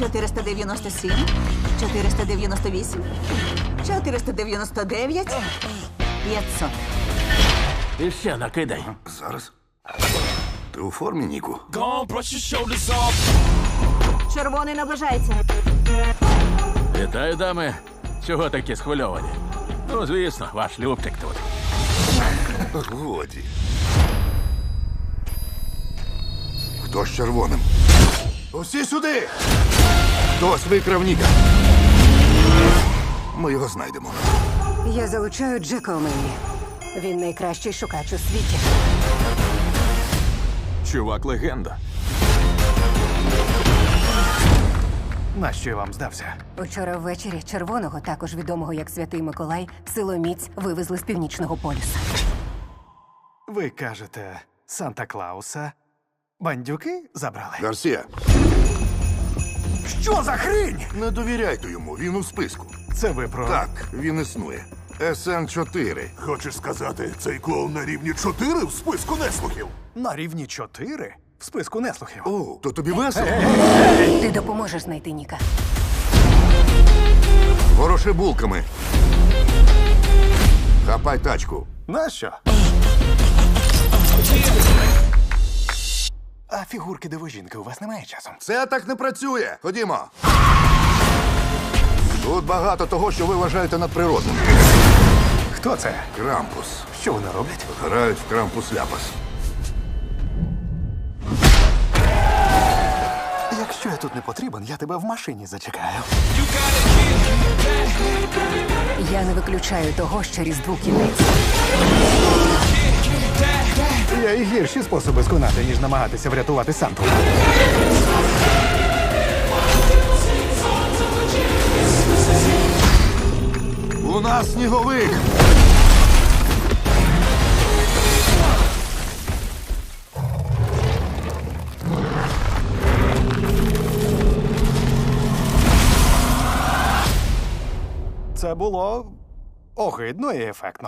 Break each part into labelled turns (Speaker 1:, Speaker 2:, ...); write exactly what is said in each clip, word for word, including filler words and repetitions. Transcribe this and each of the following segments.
Speaker 1: чотириста дев'яносто сім, чотириста дев'яносто вісім, чотириста дев'яносто дев'ять, п'ятсот.
Speaker 2: І ще накидай.
Speaker 3: Зараз. Ти у формі, Ніку?
Speaker 4: Gone, brush your shoulders off.
Speaker 1: Червоний наближається.
Speaker 2: Вітаю, дами. Чого такі схвильовані? Ну, звісно, ваш Любчик тут.
Speaker 3: Годі. Хто з червоним? Усі сюди! Хтось викрав Ніка. Ми його знайдемо.
Speaker 5: Я залучаю Джека Омені. Він найкращий шукач у світі.
Speaker 6: Чувак легенда.
Speaker 7: Нащо я вам здався?
Speaker 5: Учора ввечері червоного, також відомого як Святий Миколай, силоміць вивезли з північного полюса.
Speaker 7: Ви кажете, Санта-Клауса бандюки забрали?
Speaker 3: Гарсія,
Speaker 7: Що за хрінь?
Speaker 3: не довіряйте йому, він у списку.
Speaker 7: Це ви про...
Speaker 3: Так, він існує. ес ен чотири.
Speaker 8: Хочеш сказати, цей клоун на рівні чотири в списку неслухів?
Speaker 7: На рівні чотири? В списку неслухів.
Speaker 3: О, то тобі весело?
Speaker 5: Ти допоможеш знайти Ніка.
Speaker 3: Вороши булками. Хапай тачку.
Speaker 7: Нащо? А фігурки дивожінки у вас немає часом?
Speaker 3: Це так не працює. Ходімо. Тут багато того, що ви вважаєте надприродним.
Speaker 7: Хто це?
Speaker 3: Крампус.
Speaker 7: Що вони роблять?
Speaker 3: Грають в крампус-ляпас.
Speaker 7: Якщо я тут не потрібен, я тебе в машині зачекаю.
Speaker 5: Я не виключаю того, що Різдву кінець.
Speaker 7: Є і гірші способи сконати, ніж намагатися врятувати Санту.
Speaker 3: У нас сніговик.
Speaker 7: Це було огидно і ефектно.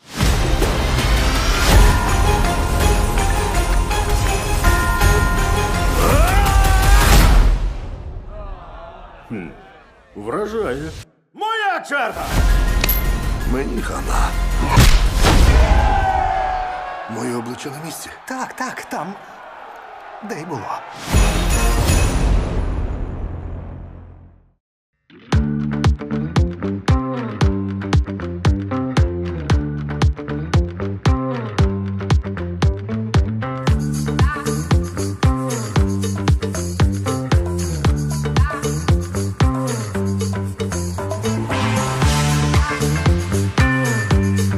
Speaker 2: Вражає.
Speaker 4: Моя черга!
Speaker 3: Мені хана. Моє обличчя на місці.
Speaker 7: Так, так, там. Де й було.